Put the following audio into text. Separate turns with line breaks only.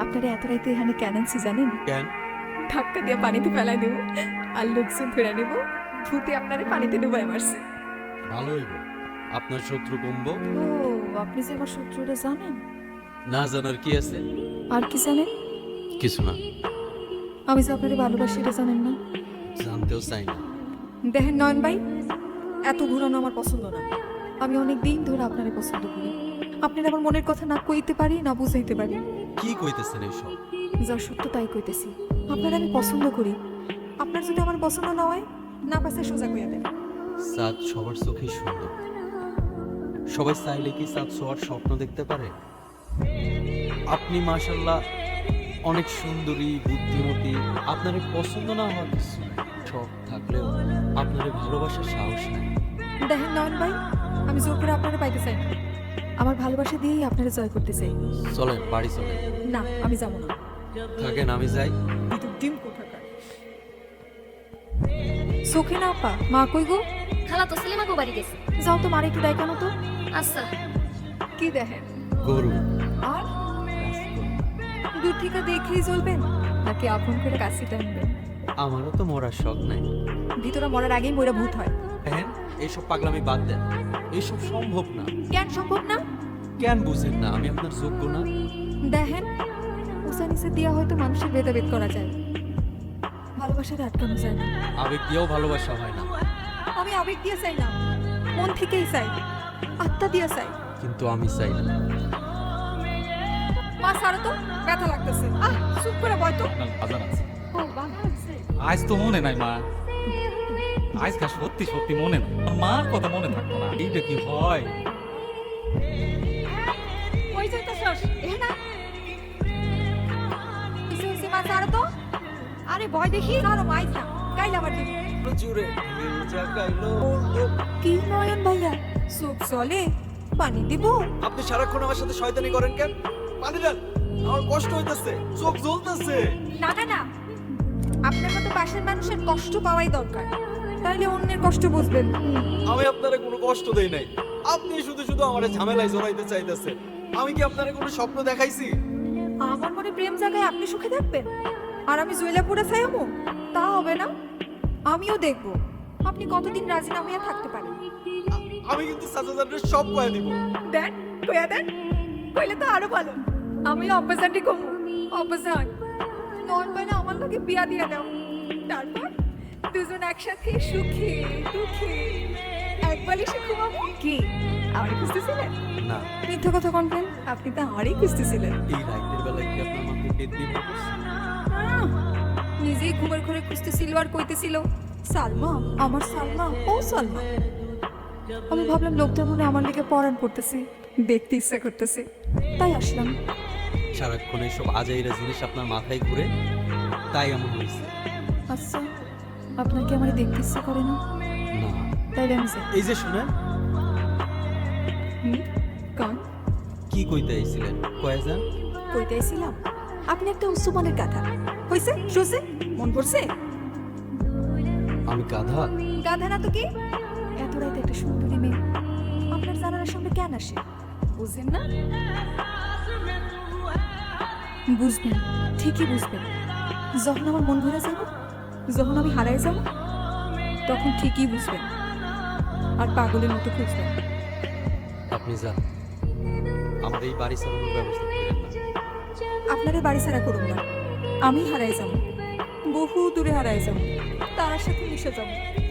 আপনারা এত রাইতে এখানে কেন আনছি জানেন?
কেন?
ধাক্কা দিয়ে পানিতে ফেলাই দেব আর লোকজন ধরে নেব, ভূতে আপনারে পানিতে ডুবাই মারছে।
ভালো হইব, আপনার শত্রু কমবো।
ও, আপনি যে আমার শত্রুটা জানেন?
না জানার কি আছে?
আর কি জানেন?
কিছু না,
আমি যে আপনারে ভালোবাসি এটা জানেন না?
জানতেও চাই না।
দেখেন নয়ন ভাই, এত ঘুরানো আমার পছন্দ না। আমি অনেক দিন ধরে আপনারে পছন্দ করি। আপনার আমার মনের কথা না কইতে পারি না বুঝাইতে পারি।
কি কইতেছেন এইসব?
যা সত্য তাই কইতেছি। আপনার আমি পছন্দ করি। আপনার যদি আমার পছন্দ না হয়, না পাশে সোজা কইয়া দেন।
চাঁদ সবার চোখেই সুন্দর। সবাই চাইলে কি চাঁদ ছোঁয়ার স্বপ্ন দেখতে পারে? আপনি মাশাআল্লাহ অনেক সুন্দরী, বুদ্ধিমতী। আপনার পছন্দ না হওয়ার কিছু নাই। সব থাকলেও আপনার ভালোবাসার সাহস নাই।
দেখেন নয়ন ভাই, আমি জোর করে আপনারা পাইতে চাই না। আমার ভালোবাসা দিয়েই আপনারা জয় করতে চাই।
চলেন বাড়ি চলেন।
না, আমি যাবো না।
থাকেন, আমি যাই।
কিন্তু ডিম কোথাকার। চোখে না আপা, মা কই গো?
খালা তো সেলিমা গো বাড়ি গেছে।
যাও তো মারে একটু দেখানো তো।
আচ্ছা।
কি দেখেন?
গরু।
আর দূর থেকে দেখেই চলবেন নাকি আপন করে কাছে টানবেন?
আমারও তো মরার শখ নাই।
ভিতরে মরার আগেই মরে ভূত হয়।
হ্যাঁ, এইসব পাগলামি বাদ দেন। এইসব সম্ভব না।
কেন সম্ভব না?
কেন বুঝেন না আমি আপনার যোগ্য না?
দেখেন, উঁচা নিচে দিয়া হয়তো মানুষের ভেদাভেদ করা যায়, ভালোবাসার আটকানো যায় না।
আবেগ দিয়েও ভালোবাসা হয় না।
আমি আবেগ দিয়ে চাই না, মন থেকেই চাই, আত্মা দিয়ে চাই।
কিন্তু আমি চাই না।
মা সারা তো ব্যথা লাগতেছে। চুপ করে বয় তো।
বাজার আছে।
ও বাবা আছে।
আজ তো মনে নাই মা, আজকে সত্যি সত্যি মনে নাই। মার কথা মনে থাকতো না, এইটা কি হয়?
কই যাইতাছস? এ না। কিসে হইছে মা সারা তো? আরে ভয় দেখি আর মাইজ না। গাইলা আবার দিবি।
জুড়ে
কি নয়ন ভাইয়া, চোখ চলে, পানি দিব?
আপনি সারাক্ষণ আমার সাথে শয়তানি করেন কেন? পানি দেন, আমার কষ্ট হইতেছে, চোখ জ্বলতেছে।
না না না, আপনার মতো পাশের মানুষের কষ্ট পাওয়াই দরকার, তাহলে অন্যের কষ্ট বুঝবেন।
আমি আপনারে কোনো কষ্ট দেই নাই। আপনি শুধু শুধু আমারে ঝামেলায় জড়াইতে চাইতেছেন। আমি কি আপনারে কোনো স্বপ্ন দেখাইছি?
আমার মনে প্রেম জায়গায় আপনি সুখে থাকবেন আর আমি জয়লা পুরে চাইমু? তা হবে না। আমিও দেখব আপনি কতদিন রাজি না হইয়া থাকতে পারেন।
আমি কিন্তু সাজাদারে সব কয়ে দিব।
দেন, কইয়া দেন, কইলে তো আরো ভালো। আমিও অপোজিটই কমু, অপোজিট। নন বাইনা আমার লগে বিয়া দিয়া দাও, তারপর দুজন একসাথে সুখে দুঃখে এক বালিশে ঘুমাবো। কি আমারই খুঁজতেছিলেন?
না,
মিথ্যা কথা কনবেন, আপনি তো আমারই খুঁজতেছিলেন।
এই রাতের বেলায় কি আপনার মাথায় পেট দিয়ে পড়ছে?
আহ, নিজেই ঘুমের ঘরে খুঁজতেছিল আর কইতেছিল সালমা, আমার সালমা, ও সালমা। আমি ভাবলাম লোকটার মনে আমার দিকে পরাণ পড়তেছে, দেখতে ইচ্ছা করতেছে, তাই আসলাম।
সারাক্ষণ এইসব আজাইরা জিনিস আপনার মাথায় ঘুরে, তাই এমন হয়েছে।
আচ্ছা, আপনার কি আমার দেখতে ইচ্ছা করে না?
না,
তাইলে আমি যাই।
এই যে শুনেন,
কন
কি কইতে আইছিলেন? কয়ে যান।
কইতেছিলাম আপনি একটা উচ্চমানের গাধা। হইছে শুছে, মন পড়ছে?
আমি গাধা?
গাধা না তো কি? এত রাতে একটা সুন্দরী মেয়ে আপনার জানালার সামনে কেন আসে বুঝেন না? বুঝবেন, ঠিকই বুঝবেন। যখন আমার মন ভরে যাব, যখন আমি হারাই যাব, তখন ঠিকই বুঝবেন আর পাগলের মতো খুঁজবেন।
আপনি যান, আমার এই বাড়ি চালানোর ব্যবস্থা করেন না।
আপনাদের বাড়ি ছাড়া করুন না, আমি হারাই যাব, বহু দূরে হারাই যাব, তার সাথে মিশে যাব।